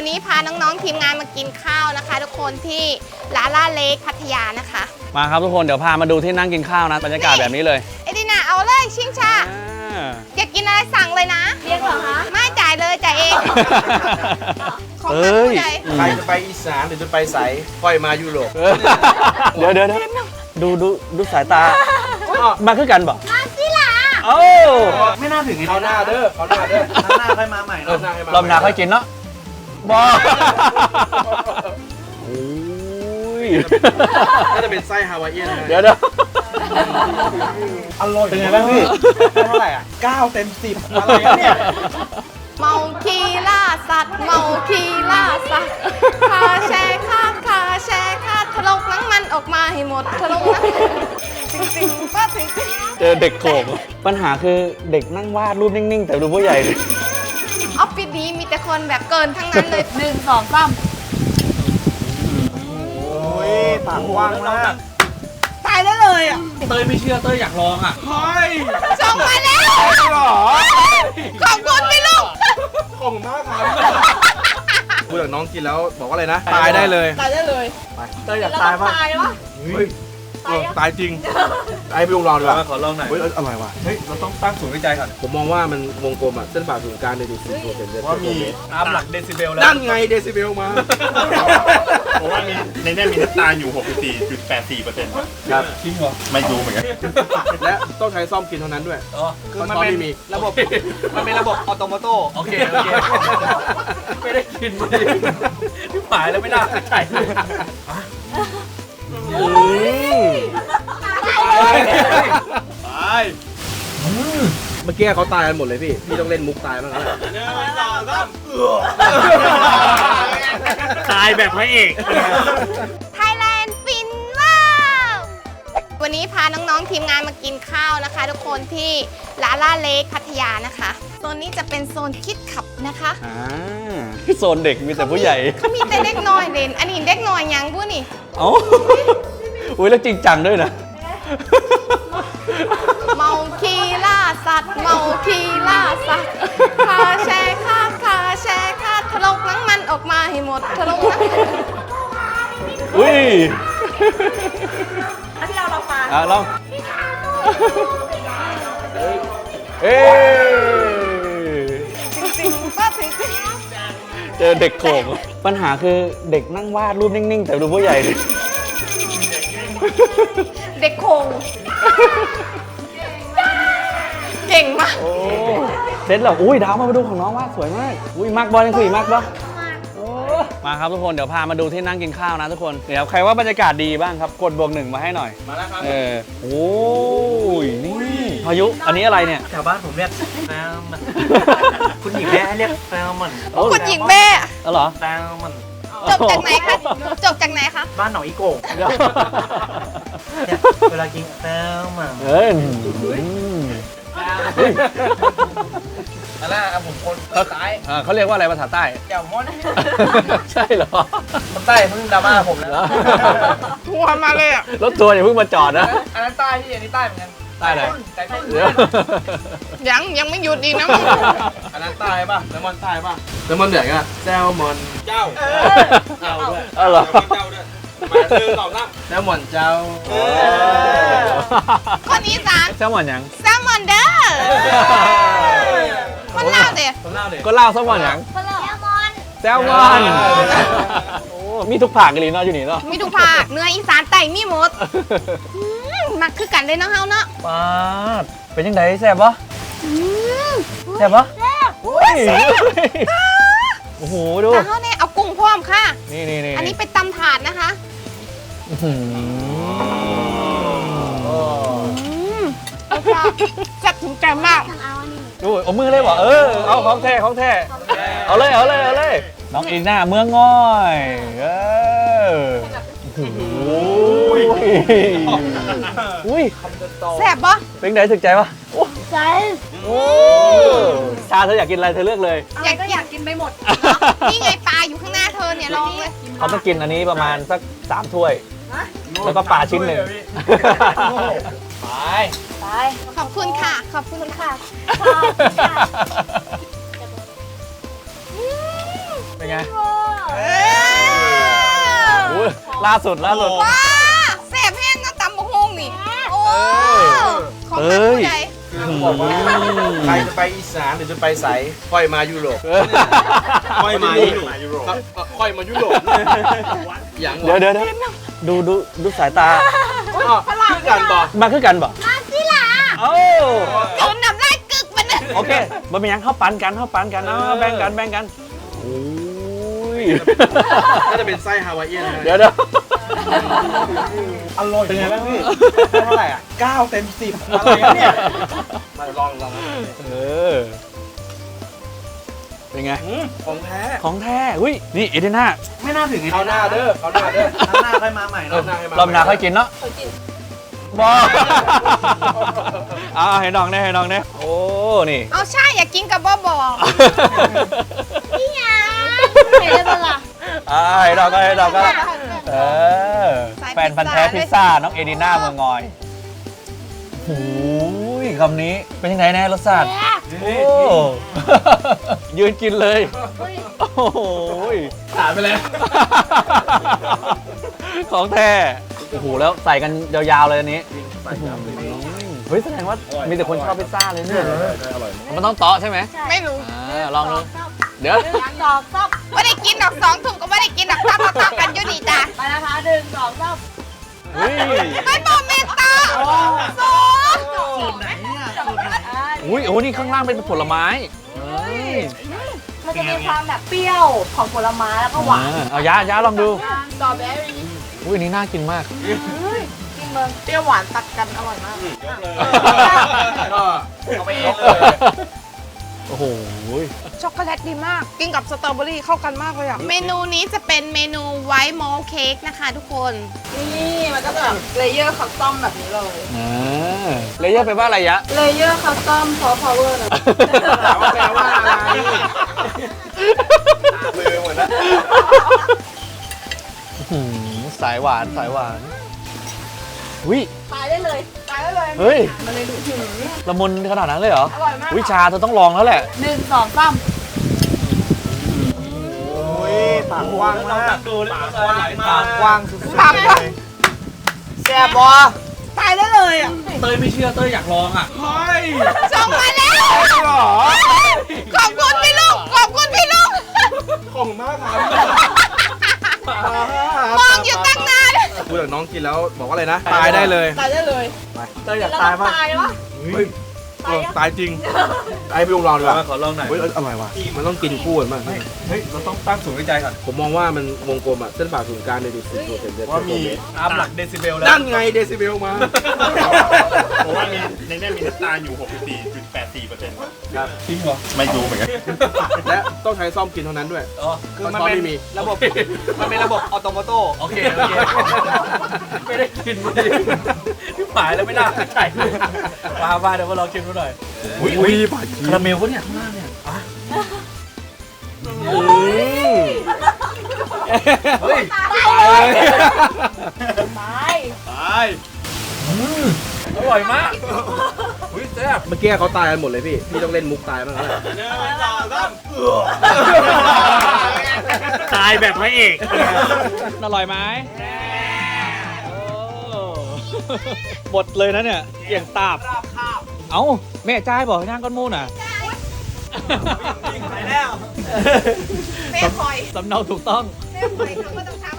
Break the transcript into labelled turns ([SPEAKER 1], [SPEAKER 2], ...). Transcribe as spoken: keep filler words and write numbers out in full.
[SPEAKER 1] วันนี้พาน้องๆทีมงานมากินข้าวนะคะทุกคนที่ลาล่าเลคพัทยานะคะ
[SPEAKER 2] มาครับทุกคนเดี๋ยวพามาดูที่นั่งกินข้าวนะบรรยากาศแบบนี้เลย
[SPEAKER 1] เอดินาเอาเลยชิงชาอยากกินอะไรสั่งเลยนะ
[SPEAKER 3] เรียกเหรอคะ
[SPEAKER 1] ไม่จ่ายเลยจ่ายเองของ
[SPEAKER 2] เอ
[SPEAKER 1] มัน
[SPEAKER 2] ้ย
[SPEAKER 1] ใจ
[SPEAKER 4] ใครจะไปอีสานหรือจะไปใสค่อยมายุโรป
[SPEAKER 2] เดี๋ยวเดี๋ยวดูดูดูสายตามาคือกันบอก
[SPEAKER 1] มาสิล่ะ
[SPEAKER 2] โอ้
[SPEAKER 4] ไม่น่าถึงเขาหน้าเด้อเขาหน้าเด้อหน้าค่อยมาใหม่รอบหน้าร
[SPEAKER 2] อบหน้าค่อยกินเนาะบอโอ้ย
[SPEAKER 4] น่าจะเป็นไส้ฮาวายเอียน
[SPEAKER 2] เดี๋ยวเดี๋ยว
[SPEAKER 4] อร่อยเป็นไงบ้างพี่เท่าไหร่อ่ะเก้าเต็มสิบอะไรเนี่ย
[SPEAKER 1] เมาคีล่าสัตว์เมาคีล่าสัตว์คาแชร์คาคาแชร์คาทะลกหนังมันออกมาให้หมดทะลกหนังจริงๆป้าจริง
[SPEAKER 2] เจอเด็กโขกปัญหาคือเด็กนั่งวาดรูปนิ่งๆแต่ดูผู้ใหญ่ดิ
[SPEAKER 1] ออฟฟิศนี้มีแต่คนแบบเกินทั้งนั้นเลยหนึ่งสองสาม
[SPEAKER 4] โอ้ยปากกว้างมาก
[SPEAKER 1] ตายได้เลยอ่ะ
[SPEAKER 4] เต้ยไม่เชื่อเต้ยอยากลองอ่ะเฮ้ย
[SPEAKER 1] ส่งมาแล้วหรอขอบคุณพี่ลูก
[SPEAKER 4] ขอบคุณมากครับพูดกับน้องกินแล้วบอกว่าอะไรนะตายได้เลย
[SPEAKER 1] ตายได้เลย
[SPEAKER 4] ไปเต้ยอยากตายป่ะ
[SPEAKER 1] ตายวะ
[SPEAKER 4] เฮ้ยตายจริงไอ้พี่ลุงลองดีกว่า
[SPEAKER 2] ขอลองหน่อย
[SPEAKER 4] เฮ้ยอร่อยว่ะ
[SPEAKER 2] เฮ้ยเราต้องตั้งศูนย์วิจัยก่อน
[SPEAKER 4] ผมมองว่ามันวงกลมอ่ะเส้นผ่าศูนย์กลางในดูสิบเซนเซนว่ามี
[SPEAKER 2] ตามหลักเดซิเบลแล้ว
[SPEAKER 4] นั่นไงเดซิเบลมา
[SPEAKER 5] เพราะว่ามีในนี้มีน้ำตาลอยู่ หกสิบสี่จุดแปดสี่เปอร์เซ็นต์
[SPEAKER 4] ครับ
[SPEAKER 2] จริงเหรอ
[SPEAKER 5] ไม่รู้เหมือนกัน
[SPEAKER 4] และต้องใช้ซ่อมกินเท่านั้นด้วย
[SPEAKER 2] คือมันเป็นระบบมันเป็นระบบออโตโมโตโอเคโอเคไม่ได้กินเลยที่หายแล้วไม่ได้ใช่
[SPEAKER 4] ไปเมื่อกี้เขาตายกันหมดเลยพี่พี่ต้องเล่นมุกตายบ้างแล้ว
[SPEAKER 5] ตายแบบพระเอก
[SPEAKER 1] ไทยแลนด์ฟินว้าววันนี้พาน้องๆทีมงานมากินข้าวนะคะทุกคนที่ลาล่าเลคพัทยานะคะโซนนี้จะเป็นโซนคิดขับนะคะ
[SPEAKER 2] อ่าโซนเด็กมีแต่ผู้ใหญ่
[SPEAKER 1] เขามีแต่เด็กน้อยเล่นอันนี้เด็กน้อยยังพูดนี่
[SPEAKER 2] เอ้าอุ้ยแล้วจริงจังด้วยนะ
[SPEAKER 1] เมาคีล่าสัตว์เมาคีล่าสัตว์คาแชร์คาคาแชร์คาทะลกหนังมันออกมาให้หมดทะลกหนัง
[SPEAKER 2] อุ้ย
[SPEAKER 3] อันที่เราเราฟัง
[SPEAKER 2] อ่ะลองเอ้
[SPEAKER 1] จริงๆป้าจริง
[SPEAKER 2] เจอเด็กโขกปัญหาคือเด็กนั่งวาดรูปนิ่งๆแต่ดูผู้ใหญ่ดิ
[SPEAKER 1] เด็กโคงเก่งมาก
[SPEAKER 2] โอ้เสร็จแล้วอุ้ยดาวมาดูของน้องว่าสวยมากอุ้ยมากบอลยังคุยมากบอลมาครับทุกคนเดี๋ยวพามาดูที่นั่งกินข้าวนะทุกคนเดี๋ยวใครว่าบรรยากาศดีบ้างครับกดบวกหนึ่งมาให้หน่อย
[SPEAKER 4] มาแล้วครับ
[SPEAKER 2] เออโอ้ยนี่พายุอันนี้อะไรเนี่ย
[SPEAKER 5] แถวบ้านผมเรียกแซลมอนคุณหญิงแม่เรียกแซลมอน
[SPEAKER 1] คุณหญิงแม่
[SPEAKER 2] อ๋อเหรอ
[SPEAKER 5] แซลมอน
[SPEAKER 1] จบจากไหนคะจบจากไหนคะ
[SPEAKER 5] บ้านหนองอีโก่งเวลากินแซลมอน
[SPEAKER 2] เอ้ย
[SPEAKER 4] อะไรอ่ะผมคนใต้
[SPEAKER 2] เขาเรียกว่าอะไรภาษาใต้
[SPEAKER 4] แจ่วม้อน
[SPEAKER 2] ใช่เหรอ
[SPEAKER 4] คนใต้เพิ่งดราม่าผมนะ
[SPEAKER 1] ทัวร์มาเลยอ่ะ
[SPEAKER 2] รถทัวร์อย่าเพิ่งมาจอดนะ
[SPEAKER 4] อันนั้นใต้ที่อันนี้ใต้เหมือนกัน
[SPEAKER 2] ใต้เลย
[SPEAKER 1] ยังยังไม่หยุดอีกนะ
[SPEAKER 4] อันนั้นใต้ป่ะแซลมอนใต้ป่ะแซลมอนเดือดกันแซลมอนเจ้า
[SPEAKER 2] เจ้าด้วยเออเหรอ
[SPEAKER 4] เจ้าด้วยมาซื้อสองน้ำแซลมอนเจ้า
[SPEAKER 1] คนอีสาน
[SPEAKER 2] แซลมอนยัง
[SPEAKER 1] แซลมอนเด้อคนเล่าเด้อ
[SPEAKER 2] ก็เล่าแซลมอนยัง
[SPEAKER 1] แซลมอน
[SPEAKER 2] แซลมอนโอ้มีทุกผักกันเลยเนาะอยู่นี่เนาะ
[SPEAKER 1] มีทุกผักเนื้ออีสานไต่มีหมดมักคือกันเลยเนาะเฮาเนาะ
[SPEAKER 2] ป้าเป็นยังไงแซ่บปะแซ่บปะ
[SPEAKER 1] แซ่บ
[SPEAKER 2] โอ้โหดู
[SPEAKER 1] แต่เขาเนี่ยเอากุ้งพร้อมค่ะ
[SPEAKER 2] นี่นี่นี่
[SPEAKER 1] อันนี้เป็นตำถาดนะคะแซ่บถึงใจมาก
[SPEAKER 2] ดูเอามือเลยบอกเออเอาของแท้ของแท้เอาเลยเอาเลยเอาเลยน้องอีน่าเมืองง่อยเอออุ้ย
[SPEAKER 1] แซ่บปะ
[SPEAKER 2] เป็นไงถึกใจปะ
[SPEAKER 1] ใจ
[SPEAKER 2] โอ้ชาเธออยากกินอะไรเธอเลือกเลย
[SPEAKER 1] อยากอยากกินไปหมดนี่ไงปลาอยู่ข้างหน้าเธอเนี่ยลองเลย
[SPEAKER 2] เขาต้องกินอันนี้ประมาณสักสามถ้วยแล้วก็ปลาชิ้นหนึ่งไป
[SPEAKER 1] ไปขอบคุณค่ะขอบคุณค่ะ
[SPEAKER 2] เป็นไง
[SPEAKER 1] เออ
[SPEAKER 2] อุ้ยล่าสุดล่าสุด
[SPEAKER 1] ว้าแซ่บแห้งนะตำบักฮงนี่โอ้ของ
[SPEAKER 2] เอ้
[SPEAKER 1] ท่าน
[SPEAKER 2] ย
[SPEAKER 1] ผู้ใด
[SPEAKER 4] คือบอกว่าใครจะไปอีสานหรือจะไปใสค่อยมายุโรป ค่อยมายุโรปครับเอ่อค่อยมายุโรปอย่าง
[SPEAKER 2] เดี๋ยวเดี๋ยวเดี๋ยวดูดูดูสายตา
[SPEAKER 4] อ๋อคือกันบอก
[SPEAKER 2] มาคือกันบ่
[SPEAKER 1] มาสิล่ะ
[SPEAKER 2] เอ้า
[SPEAKER 1] จืนน้ำลายกึกมันนะ
[SPEAKER 2] โอเคบ่เป็นหยังเข้าปันกันเข้าปันกันเอาแบ่งกันแบ่งกันโอ้ย
[SPEAKER 4] น่าจะเป็นไส้ฮาวายเอียนนะ
[SPEAKER 2] เดี๋ยวเดี๋ยว
[SPEAKER 4] อร่อยเป็นไงบ้างพี่เท่าไหร่อ่ะเก้าเต็มสิบอะไรเนี่ยมาลองลอง
[SPEAKER 2] เออเป็นไง
[SPEAKER 4] ของแท้
[SPEAKER 2] ของแท้อุ้ยนี่เอเดน่า
[SPEAKER 4] ไม่น่าถึงเขาหน้าเด้อเขาหน้าเด้อเขาหน้าค่อยมาใหม่เนาะ
[SPEAKER 2] รอบหน้าค่อยกินเนาะบอเอาให้น้องแน่ให้น้องแน่โอ้นี่
[SPEAKER 1] เอาใช่อยากกินกับบ่บอกพี่ยาเห็นได้ปะล่ะ
[SPEAKER 2] อ่าให้น้องก็ให้น้องก็เออแฟนพันธ์แท้พิซซ่าน้องเอดิน่าเมืองงอยโอ้ยคำนี้เป็นยังไงแน่รสชาติโอ้ยืนกินเลยโอ้โห
[SPEAKER 4] ขาดไปแล้ว
[SPEAKER 2] ของแท้โอ้โหแล้วใส่กันยาวๆเลยอันนี้เฮ้ยแสดงว่ามีแต่คนชอบพิซซ่าเลยเนี่ยมันต้องเตาะใช่ไหม
[SPEAKER 1] ไม่รู้
[SPEAKER 2] อ่าลองดูเดี๋ยว
[SPEAKER 1] ดอกซับไม่ได้กินดอกสองถุงก็ไม่ได้กินดอกซับซับกันอยู่ดีจ้ะ
[SPEAKER 3] ไปนะคะหนึ่งสองสาม
[SPEAKER 2] เฮ้ย
[SPEAKER 1] ไม่บอกเมตตาสอง
[SPEAKER 3] สูตรไหนเนี่ยสูตรไหน
[SPEAKER 2] อุ้ยโอ้นี่ข้างล่างเป็นผลไม้เฮ้ย
[SPEAKER 3] มันจะมีความแบบเปรี้ยวของผลไม้แล้วก็หวาน
[SPEAKER 2] อ่าเอายะยะลองดู
[SPEAKER 3] สตรอเบอรี่
[SPEAKER 2] อุ้ยอันนี้น่ากินมาก
[SPEAKER 3] กินเมือง
[SPEAKER 1] เปรี้ยวหวานตัดกันอร่อยมาก
[SPEAKER 4] ก็เอาไปเองเลย
[SPEAKER 2] โอ้โห
[SPEAKER 1] ช็อกโกแลตดีมาก กินกับสตรอเบอรี่เข้ากันมากเลยอ่ะ เมนูนี้จะเป็นเมนูไวท์มอลเค้กนะคะทุกคน
[SPEAKER 3] นี่มันก็จะแบบเลเยอร์คัสตอมแบบนี้เลย
[SPEAKER 2] อ่าเลเยอร์ไปลว่าอะไรยะ
[SPEAKER 3] เลเยอร์คัสตอมซอฟต์พาวเวอร์เลย
[SPEAKER 4] ถามว่าแปลว่าอะไรมือหมดแล้ว
[SPEAKER 2] หืมสายหวานสายหวานวิ
[SPEAKER 3] ตายได้เลย ตายได้เลย
[SPEAKER 2] เฮ้ย
[SPEAKER 3] มันเลยดูถึง
[SPEAKER 2] ละมุนขนาดนั้นเลยเหรอ
[SPEAKER 3] อร่อยมาก
[SPEAKER 2] วิชาเธอต้องลองแล้วแหละ
[SPEAKER 3] หนึ่งสองสาม
[SPEAKER 4] โอ้ยปากกว้างมากปากกว้างสุดๆ
[SPEAKER 1] ปากกว้าง
[SPEAKER 4] แซ่บบอ
[SPEAKER 1] ตายได้เลยอ่ะ
[SPEAKER 2] เต้ยไม่เชื่อเต้ยอยากลองอ่ะ
[SPEAKER 4] เฮ้ย
[SPEAKER 1] ส่งมาแล้ว
[SPEAKER 4] หรอ
[SPEAKER 1] ขอบคุณพี่ลุงขอบคุณพี่ลุง
[SPEAKER 4] ของมากครับ
[SPEAKER 1] มองอยู่ตั้งนาน
[SPEAKER 4] พูดกับน้องกินแล้วบอกว่าอะไรนะ ตายได้เลย
[SPEAKER 3] ตายได้เลย
[SPEAKER 4] เต้ยอยาก
[SPEAKER 3] แล้ว
[SPEAKER 4] ตาย
[SPEAKER 3] ต้อง
[SPEAKER 4] มาก
[SPEAKER 3] ตายวะ
[SPEAKER 4] เฮ้ยเออตายจริงไอ้พี่ลุงลองดีกว่า
[SPEAKER 2] ขอลองหน่อย
[SPEAKER 4] เฮ้ยอร่อยว่ะมันต้องกินคู่กันมาก
[SPEAKER 5] เฮ้ย เราต้องตั้งสูงในใจก่อน
[SPEAKER 4] ผมมองว่ามันวงกลมอ่ะเส้นผ่าศูนย์กลางในดูสิบเซนเซน
[SPEAKER 5] ว่ามีตามหลักเดซิเบลแล้ว
[SPEAKER 4] นั่นไงเดซิเบลมา
[SPEAKER 5] ผมว่ามีในนี้มีน้ำตาลอยู่ หกสิบสี่จุดแปดสี่เปอร์เซ็นต์
[SPEAKER 4] ครับ
[SPEAKER 5] จริงเหรอ ไม่รู้เหมือนกัน
[SPEAKER 4] และต้องใช้ซ่อมกินเท่านั้นด้วย
[SPEAKER 2] คือมัน
[SPEAKER 4] ช้อน
[SPEAKER 2] เป็น
[SPEAKER 4] ไม่มี
[SPEAKER 2] ระบบ มันเป็นระบบออโตโมโต้โอเคโอเคไม่ได้กินไม่ได้ที่หมายแล้วไม่น่าใช่มาบ้าเดี๋ยวมาลองชิมดูหน่อย
[SPEAKER 4] อุ้ยอุ้ยบาดชี
[SPEAKER 2] คาราเมลปะเนี่ยข้างล่างเนี่ยอ่ะ
[SPEAKER 4] เฮ้ย
[SPEAKER 3] ตาย
[SPEAKER 2] ตายอร่อยมากอุ้ยแซ่บ
[SPEAKER 4] เมื่อกี้เขาตายกันหมดเลยพี่ พี่ต้องเล่นมุกตายบ้างแล้วแหละ
[SPEAKER 5] ตายแบบพระเอก
[SPEAKER 2] อร่อยไหมหมดเลยนะเนี่ยเกี่ยงตาบเอ้าแม่จ่ายบอกให้นั่งก้อนมูนอ่ะ
[SPEAKER 1] แม่คอย
[SPEAKER 2] สำเนาถูกต้อง
[SPEAKER 1] แม่คอยเขาก็ต้องท